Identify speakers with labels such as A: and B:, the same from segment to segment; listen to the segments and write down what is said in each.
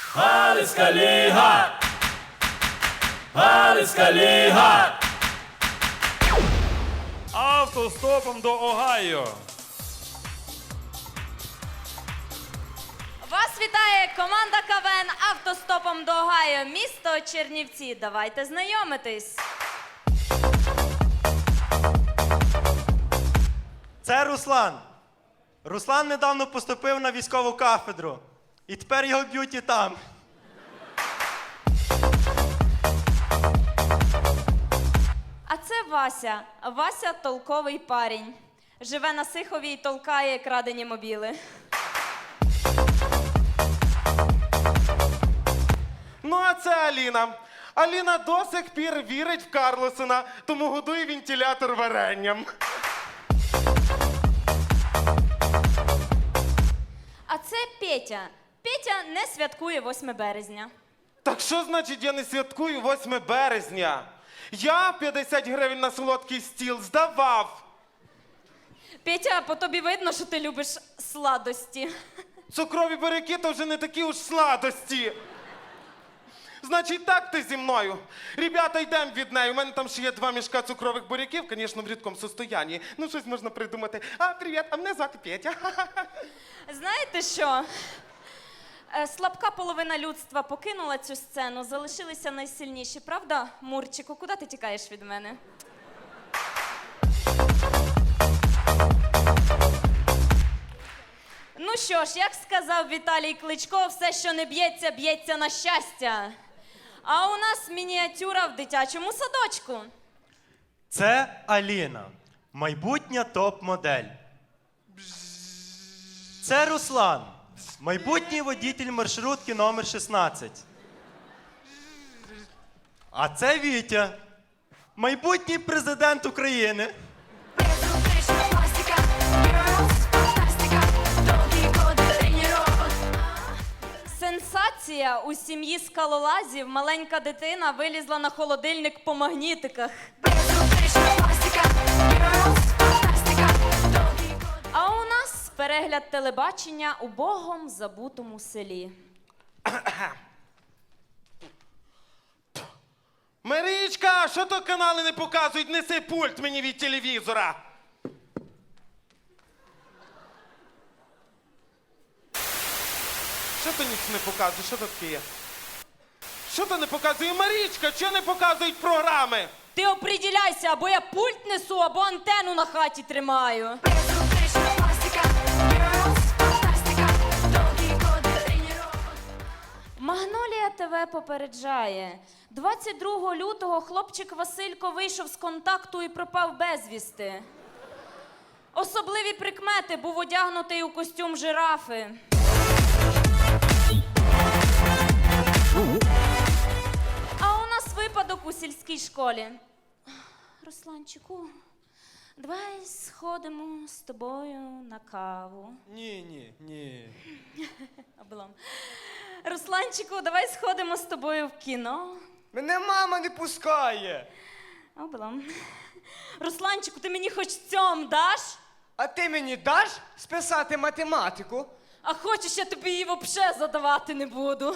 A: Галицька ліга! Галицька ліга! Автостопом до Огайо.
B: Вас вітає команда КВН «Автостопом до Огайо», місто Чернівці. Давайте знайомитись.
C: Це Руслан. Руслан недавно поступив на військову кафедру. І тепер його б'ють і там.
B: А це Вася. Вася – толковий парень. Живе на Сихові і толкає крадені мобіли.
D: Ну, а це Аліна. Аліна до сих пір вірить в Карлосона, тому годує вентилятор варенням.
B: А це Петя. Петя не святкує 8 березня.
D: Так що значить я не святкую 8 березня? Я 50 гривень на солодкий стіл здавав.
B: Петя, по тобі видно, що ти любиш сладості.
D: Цукрові буряки то вже не такі уж сладості. Значить, так ти зі мною. Ребята, йдемо від неї. У мене там ще є 2 мішка цукрових буряків, звісно, в рідкому состоянні. Ну, щось можна придумати. А, привіт, а мене звати Петя.
B: Знаєте що? Слабка половина людства покинула цю сцену, залишилися найсильніші. Правда, Мурчику? Куди ти тікаєш від мене? Ну що ж, як сказав Віталій Кличко, все, що не б'ється, б'ється на щастя. А у нас мініатюра в дитячому садочку.
C: Це Аліна. Майбутня топ-модель. Це Руслан. Майбутній водитель маршрутки номер 16. А це Вітя. Майбутній президент України.
B: Сенсація! У сім'ї скалолазів маленька дитина вилізла на холодильник по магнітиках. А у нас перегляд телебачення у богом забутому селі.
D: Марічка, що то канали не показують? Неси пульт мені від телевізора. Що то ніч не показує? Що то таке є? Що то не показує? Марічка, що не показують програми?
B: Ти оприділяйся, або я пульт несу, або антенну на хаті тримаю. Магнолія ТВ попереджає. 22 лютого хлопчик Василько вийшов з контакту і пропав безвісти. Особливі прикмети: був одягнутий у костюм жирафи. А у нас випадок у сільській школі. Русланчику, давай сходимо з тобою на каву.
C: Ні.
B: Облом. Русланчику, давай сходимо з тобою в кіно.
E: Мене мама не пускає.
B: Облом. Русланчику, ти мені хоч цьом даш?
E: А ти мені даш списати математику?
B: А хочеш, я тобі її взагалі задавати не буду.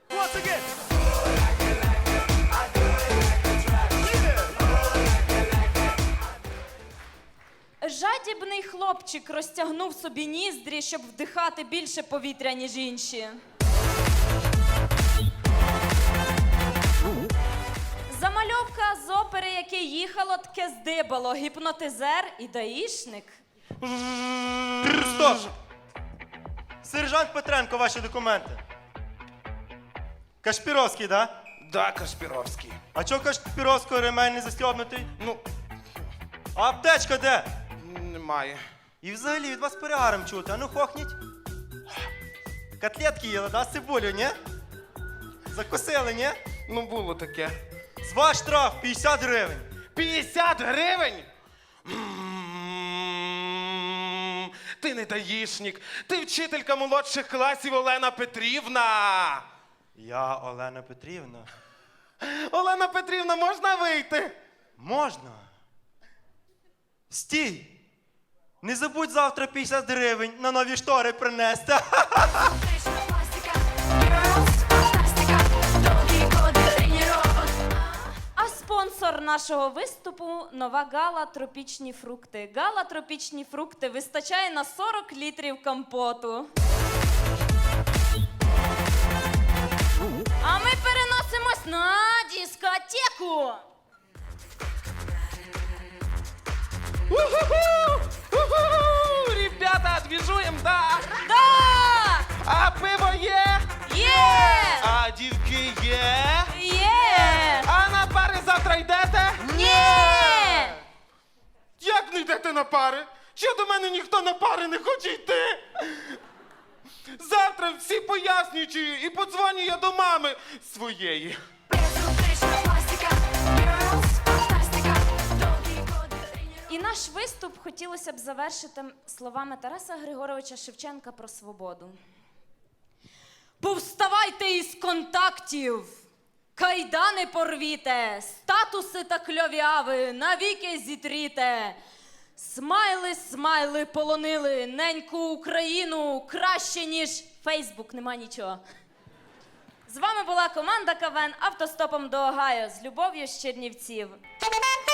B: Жадібний хлопчик розтягнув собі ніздрі, щоб вдихати більше повітря, ніж інші. Замальовка з опери, яке їхало, таке здибало. Гіпнотизер і даїшник.
C: Стоп! Сержант Петренко, ваші документи. Кашпіровський, да?
D: Да, Кашпіровський.
C: А чого Кашпіровського ремень не застібнутий?
D: Ну,
C: А аптечка де?
D: немає.
C: І взагалі від вас перегаром чути, а ну хохніть. Котлетки їли, да, з цибулю, ні? Закусили, ні?
D: Ну, було таке.
C: З ваш штраф 50 гривень.
D: 50 гривень? Ти не даїшник. Ти вчителька молодших класів Олена Петрівна.
C: Я Олена Петрівна.
D: Олена Петрівна, можна вийти?
C: Можна. Стій! Не забудь завтра 50 гривень на нові штори принести.
B: нашого виступу нова гала «Тропічні фрукти». Гала «Тропічні фрукти» вистачає на 40 літрів компоту. А ми переносимось на дискотеку.
D: Ребята, двіжуєм, да!
B: Да!
D: А пиво є?
B: Є!
D: А дівки є?
B: Є!
D: А на пари завтра йдете?
B: Ні!
D: Як не йдете на пари? Чи до мене ніхто на пари не хоче йти? Завтра всі пояснюючи і подзвоню я до мами своєї.
B: І наш виступ хотілося б завершити словами Тараса Григоровича Шевченка про свободу. Повставайте із контактів, кайдани порвіте, статуси та кльов'яви навіки зітріте. Смайли, смайли полонили неньку Україну краще, ніж Фейсбук, нема нічого. З вами була команда КВН «Автостопом до Огайо». З любов'ю з Чернівців.